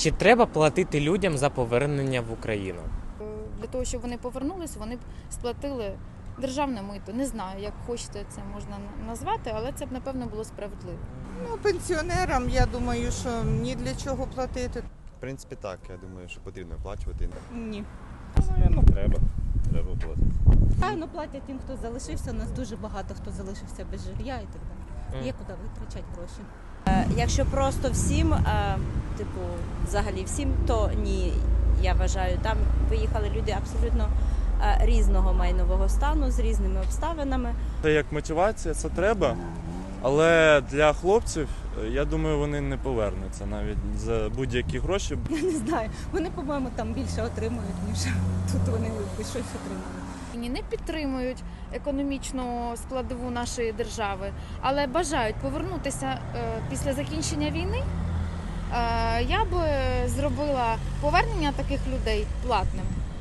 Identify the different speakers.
Speaker 1: Чи треба платити людям за повернення в Україну?
Speaker 2: Для того, щоб вони повернулись, вони б сплатили державне мито. Не знаю, як хочете це можна назвати, але це б, напевно, було справедливо.
Speaker 3: Ну, пенсіонерам, я думаю, що ні для чого платити.
Speaker 4: В принципі, так. Я думаю, що потрібно оплачувати.
Speaker 3: Ні.
Speaker 5: Ну, треба платити.
Speaker 6: Правильно платять тим, хто залишився. У нас дуже багато хто залишився без жилья і так далі. Є куди витрачати гроші.
Speaker 7: Якщо просто всім, взагалі всім, то ні, я вважаю. Там виїхали люди абсолютно різного майнового стану, з різними обставинами.
Speaker 8: Це як мотивація, це треба, але для хлопців, я думаю, вони не повернуться навіть за будь-які гроші.
Speaker 6: Я не знаю. Вони, по-моєму, там більше отримують, ніж тут вони щось отримали.
Speaker 2: Не підтримують економічну складову нашої держави, але бажають повернутися після закінчення війни. Я б зробила повернення таких людей платним.